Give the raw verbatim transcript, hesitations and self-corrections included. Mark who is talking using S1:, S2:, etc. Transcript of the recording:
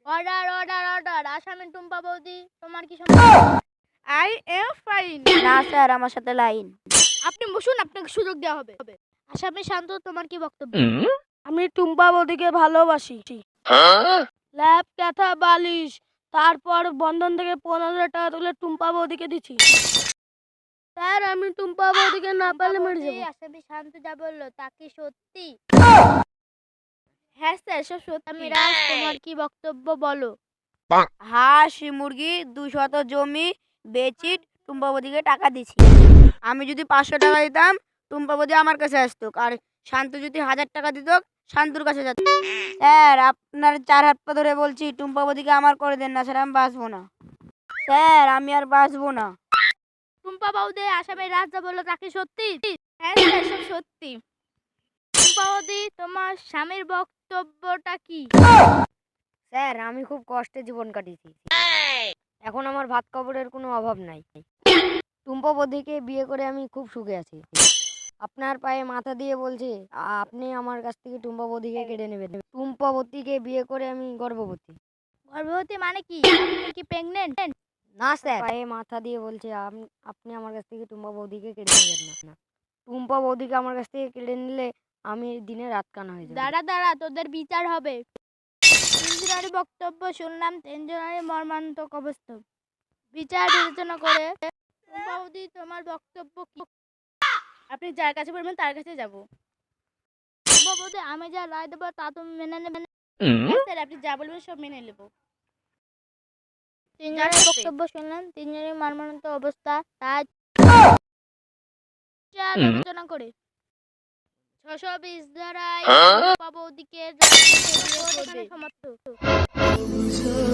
S1: Order order order আসামি টুম্পা বৌদি, তোমার কি সমস্যা?
S2: I am fine.
S3: না স্যার, আমার সাথে লাইন।
S1: আপনি বসুন, আপনাকে সুযোগ দেওয়া হবে। আসামি শান্ত, তোমার কি বক্তব্য?
S2: আমি টুম্পা বৌদিকে ভালোবাসি। ল্যাপ ক্যাথা বালিশ, তারপর বন্ধন থেকে পনেরো হাজার টাকা তুলে টুম্পা বৌদিকে দিচ্ছি। স্যার, আমি টুম্পা বৌদিকে না পারলে মরে যাবো।
S1: আসামি শান্ত যা বললো তা কি সত্যি?
S2: হ্যাঁ স্যার, সব সত্যি।
S1: আমি রাজ, তোমার কি বক্তব্য বলো?
S3: হাঁস মুরগি দুশত জমি বেচি টুম্পা বৌদিকে টাকা দিছি। আমি যদি পাঁচশো টাকা দিতাম টুম্পা বৌদি আমার কাছে আসতো, আর শান্ত যদি হাজার টাকা দিত শান্তুর কাছে যেত। স্যার, আপনার চার হাত পা ধরে বলছি টুম্পা বৌদিকে আমার করে দেন না স্যার, আমি বাঁচবো না স্যার, আমি আর বাঁচবো না।
S1: টুম্পা বৌদি, আসামি রাজ যা বললো তা কি সত্যি?
S2: হ্যাঁ স্যার, সব সত্যি।
S1: টুম্পা বৌদি, তোমার স্বামীর বক্তব্যটা কি?
S3: স্যার, আমি খুব কষ্টে জীবন কাটিয়েছি, এখন আমার ভাত কাপড়ের কোনো অভাব নাই। টুম্পা বৌদিকে বিয়ে করে আমি খুব সুখে আছি। আপনার পায়ে মাথা দিয়ে বলছে আপনি আমার কাছ থেকে টুম্পা বৌদিকে কেড়ে নেবেন। টুম্পা বৌদিকে বিয়ে করে আমি গর্ভবতী।
S1: গর্ভবতী মানে কি? আপনি কি প্রেগনেন্ট?
S3: না স্যার, পায়ে মাথা দিয়ে বলছে আম- আপনি আমার কাছ থেকে টুম্পা বৌদিকে কেড়ে নেবেন না। টুম্পা বৌদিকে আমার কাছ থেকে কেড়ে নিলে আমি দিনে রাত কানা হয়ে যাবো।
S1: দাঁড়া দাঁড়া, তোদের বিচার হবে। তিনজনের বক্তব্য শুনলাম, তিনজনের মর্মান্তক অবস্থা। বিচার বিবেচনা করে টুম্পা বৌদি, তোমার বক্তব্য কি?
S2: আপনি যার কাছে বলবেন তার কাছে যাব।
S1: টুম্পা বৌদি, আমি যা রায় দেবো তা তুমি মেনে নেবে?
S2: হ্যাঁ স্যার, আপনি যা বলবেন সব মেনে নেব।
S1: তিনজনের
S2: যার সাথে?
S1: বক্তব্য শুনলাম, তিনজনের মর্মান্তক অবস্থা। তাই বিচার বিবেচনা করে ছশো বিশ ধারায় টুম্পা বৌদিকে রাজনীতিতে বিয়ে করবে।